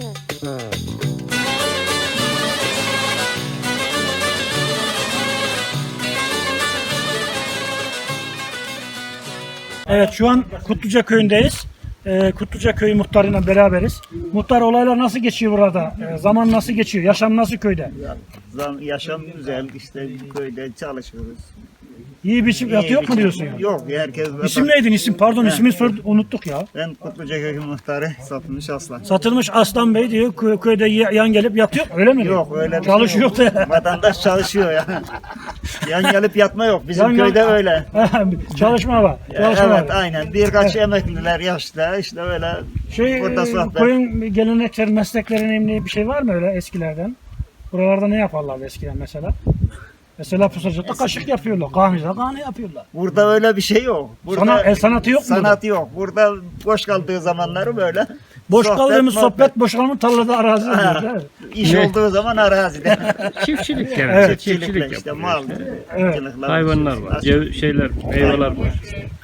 Evet, şu an Kutluca köyündeyiz. Kutluca köyü muhtarıyla beraberiz. Muhtar, olaylar nasıl geçiyor burada? Zaman nasıl geçiyor? Yaşam nasıl köyde? Yaşam güzel, işte köyde çalışıyoruz. İyi biçim hayat yok mu diyorsun ya? Yok, herkes... İsim neydin? İsim, pardon, ismini unuttuk ya. Ben Kutluca Köyü muhtarı Satılmış Aslan. Satılmış Aslan Bey diyor, köyde yan gelip yatıyor, öyle mi? Yok, öyle bir çalışıyor şey yok. da. Vatandaş çalışıyor ya. Yan gelip yatma yok, bizim Yan köyde öyle. Çalışma var. Çalışma Evet, var. aynen. Birkaç emekliler yaşlı, işte öyle burada sohbet. Köyün gelenekleri, mesleklerinin bir şey var mı öyle eskilerden? Buralarda ne yaparlardı eskiden mesela? Mesela Pusacık'ta kaşık yapıyorlar, Kahmi'de kahne yapıyorlar. Burada öyle bir şey yok. Burada sanatı yok mu? Sanatı yok. Burada boş kaldığı zamanları böyle. Boş kaldığımız muhabbet. sohbet, boşalma tarlada arazi oluyor. Evet. İş olduğu zaman arazide. Çiftçilik yani. Evet, Çiftçilikle işte mal. Evet. balıkçılıkla Hayvanlar var, şeyler, meyveler var.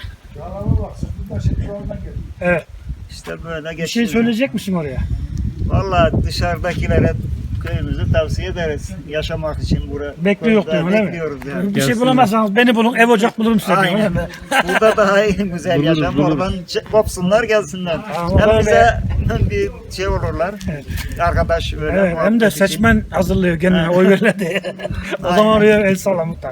Evet. İşte böyle Bir şey geçiyor. söyleyecek misin oraya? Vallahi dışarıdakilere köyümüzü tavsiye ederiz. Yaşamak için Bekliyor köyde değil mi? bekliyoruz yani. Bir şey Gelsinler. bulamazsanız beni bulun, ev ocak bulurum size. değil mi? Aynen. Burada daha iyi, güzel Buluruz, yaşam. buluruz. Oradan kopsunlar gelsinler. Tamam, Hem o bize bir şey olurlar. Arkadaş böyle. Evet, hem de muhabbet için. seçmen hazırlıyor kendine oy verirler diye. O zaman oraya el salla muhtar.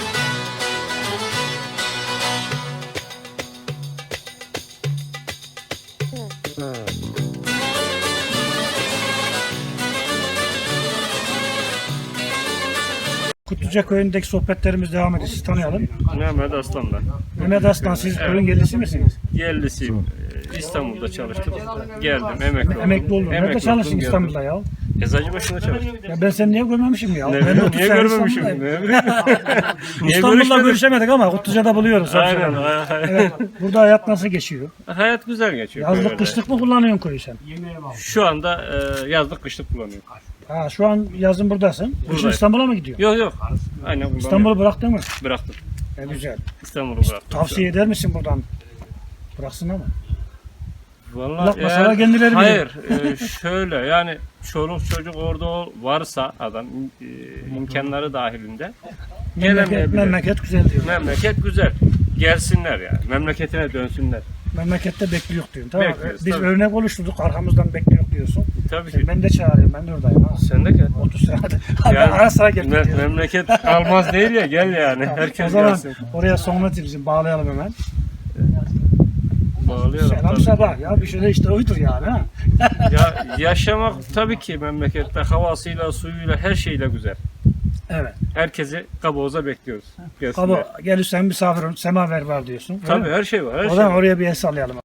Kutluca köyündeki sohbetlerimiz devam ediyor. Siz tanıyalım. Mehmet Aslan'dan. Mehmet Aslan, siz köyün yerlisi misiniz? Yerlisiyim. İstanbul'da çalıştım. Geldim, emekli oldum. Emekli oldun. Nerede Emekli çalıştın oldum, İstanbul'da ya? geldim. Eczacıbaşı'nda çalıştım. Ya ben seni niye görmemişim ya? Ne Ben de bileyim, 30 niye sene görmemişim? İstanbul'dayım. Ne bileyim. Niye İstanbul'da görüşmedik? görüşemedik ama Kutluca'da buluyoruz. Aynen. Evet. Burada hayat nasıl geçiyor? Hayat güzel geçiyor. Yazlık köyde. kışlık mı kullanıyorsun köyü sen? Şu anda yazlık kışlık kullanıyorum. Ha, şu an yazın buradasın. Kışın Buradayım. İstanbul'a mı gidiyorsun? Yok. Aynen kullanıyorum. İstanbul'u bıraktın mı? Bıraktım. Güzel. İstanbul'u bıraktım. Tavsiye eder misin buradan? Bıraksın ama. Vallahi Bırakmasalar kendileri bilir. hayır, şöyle yani çoluk çocuk orada varsa adam imkanları dahilinde gelemeyebilir. Memleket güzel diyor. Memleket güzel. Gelsinler yani. Memleketine dönsünler. Memlekette bekliyor diyorsun. Tamam. Bekliyoruz, Biz tabii. örnek oluşturduk. Arkamızdan bekliyor diyorsun. Tabii ki. Ben de çağırıyorum. Ben de oradayım ha. Sen de gel. 30 senedir. Ben Yani ara sıra geldim. diyorum. memleket kalmaz değil ya, gel yani. O Herkes zaman gelsin. oraya sonuna bizim bağlayalım hemen. Bağlayalım. Selam tabii. sabah ya. Bir şey de işte oydur yani ha. Ya, yaşamak tabii ki memlekette havasıyla, suyuyla, her şeyle güzel. Evet. Herkesi Kaboğaz'a bekliyoruz. Gelsinler. Kaba gelirsen misafir ol, semaver var diyorsun. öyle Tabii mi? her şey var. Her O şey zaman var. oraya bir el sallayalım.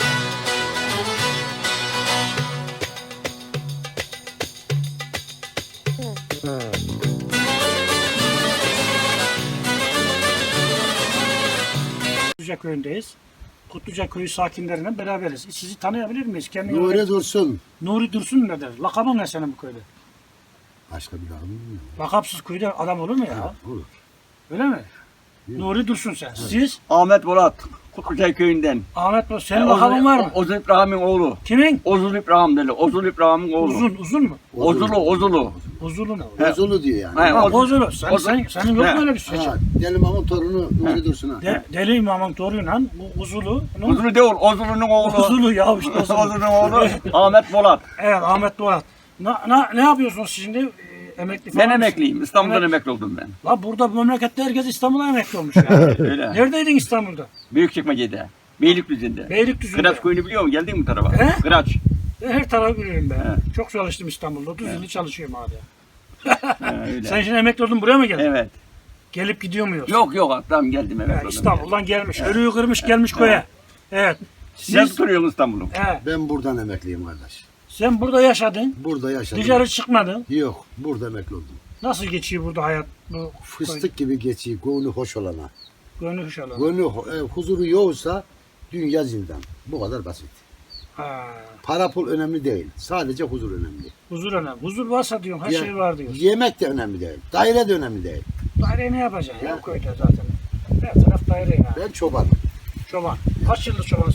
Kutluca köyündeyiz. Kutluca köyü sakinleriyle beraberiz. Sizi tanıyabilir miyiz? Kendini Nuri Dursun. Nuri Dursun nedir? Lakabın ne senin bu köyde? Başka bir adam bilmiyorum. Lakapsız köyde adam olur mu ya? Olur. Öyle mi? Nuri Dursun sen. Siz? Ahmet Bolat, Kutlucay köyünden. Ahmet Bey, senin lakabın var mı? Ozul İbrahim'in oğlu. Kimin? Ozul İbrahim dedi. Ozul İbrahim'in oğlu. Uzun mu? Ozulu. Uzulu mu? Bozulu diyor yani. He, Ha, Ozul. Bozulu. Senin yok He. mu öyle bir şey? Ha, Deli Mahmut torunu Nuri Dursun ha. Deli İmam'ın toruyla bu Uzulu. Ozulu değil, Ozulu'nun oğlu. Uzulu ya işte Uzulu. Ozulu'nun oğlu Ahmet Bolat. Evet, Ahmet Doğat. Ne yapıyorsunuz şimdi? Emekli falan Ben mısın? emekliyim. İstanbul'dan Evet. emekli oldum ben. La burada memlekette herkes İstanbul'a emekli olmuş ya. Öyle. Neredeydin İstanbul'da? Büyükçekmece'de. Beylikdüzü'nde. Beylikdüzü'nde. Kıraç köyünü biliyor musun? Geldin mi bu tarafa? He? Kıraç. Her tarafı bilirim ben. He. Çok çalıştım İstanbul'da. 30 yıldır çalışıyorum abi. Öyle. Sen şimdi emekli oldun, buraya mı geldin? Evet. Gelip gidiyor muyuz? Yok. Tamam geldim emekli Ha, oldum. İstanbul'dan gelmiş. Ölüyü kırmış gelmiş köye. Evet. Sen Siz, tutuyorsun İstanbul'u. he, Ben buradan emekliyim kardeş. sen burada yaşadın. Burada yaşadım. Dışarı çıkmadın. Yok, burada emekli oldum. Nasıl geçiyor burada hayat? Bu Fıstık gibi geçiyor, gönlü hoş olana. Gönlü inşallah. Gönlü huzuru yoksa dünya zindan. Bu kadar basit. Ha, Para pul önemli değil. Sadece huzur önemli. huzur önemli. Huzur varsa diyorsun her Ya- şey var diyorsun. Yemek de önemli değil. Daire de önemli değil. Daire ne yapacaksın ya köyde zaten? Her taraf daire ya. Ben çobanım. Çoban. Kaç yıldır çobansın?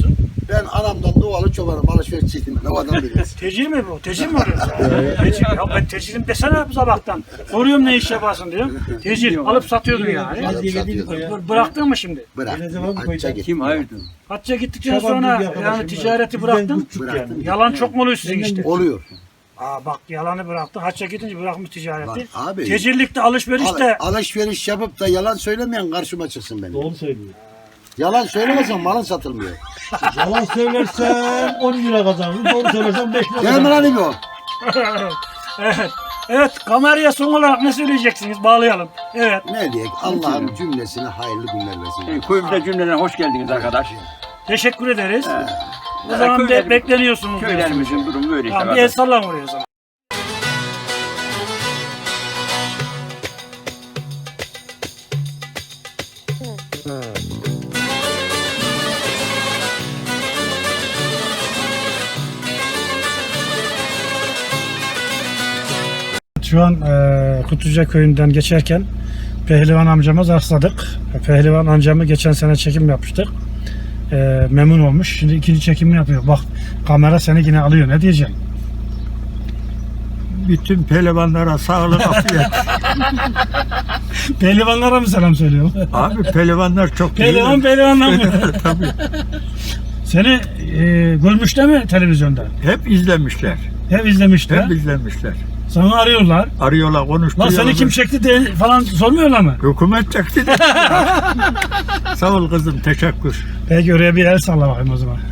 Ben anamdan doğalı çobanım, alışveriş çektim. Ne adam bilirsin. Tecil mi bu? Tecil mi oluyor sen? Tecil. Ya ben tecilim desene bu sabahtan. Soruyorum ne iş yaparsın diyor. Tecil. Alıp satıyordun yani. Alıp satıyordum. Bıraktın mı şimdi? Bırak. Hacca gittim. Kim hayırdır? Hacca gittikten sonra yani ticareti bıraktın. Bıraktım. Yalan çok mu oluyor sizin işte? Oluyor. Aa bak yalanı bıraktı. Hacca gidince bırakmış ticareti. Bak abi. Tecillikte alışverişte. Alışveriş yapıp da yalan söylemeyen karşıma çıksın benim. Doğru söylüyor. Yalan söylemezsen malın satılmıyor. Yalan söylersen 10 lira kazanırsın. Doğru söylersen 5 lira Gel mi lan İbo? Evet. Evet. Kameraya son olarak ne söyleyeceksiniz? Bağlayalım. Evet. Ne diyek? Allah'ın cümlesine hayırlı günler versin. Köyümüze cümleden hoş geldiniz arkadaş. Teşekkür ederiz. O zaman bekleniyorsunuz. diyorsunuz. Köylerimizin durumu böyle işte. Tamam bir el sallan oraya o zaman. Şu an Kutluca köyünden geçerken Pehlivan amcama rastladık. Pehlivan amcamı geçen sene çekim yapmıştık. Memnun olmuş. Şimdi ikinci çekimini yapıyor. Bak kamera seni yine alıyor. Ne diyeceksin? Bütün pehlivanlara sağlık, afiyet. Pehlivanlara mı selam söylüyorum? Abi pehlivanlar çok Pehlivanlar mı? Tabii. Seni görmüşler mi televizyonda? Hep izlemişler. Hep izlemişler. Hep izlemişler. Sana arıyorlar. Arıyorlar, Lan konuşturuyorlar. seni kim çekti diye falan sormuyorlar mı? Hükümet çekti de. Sağ ol kızım, teşekkür. Peki oraya bir el salla bakayım o zaman.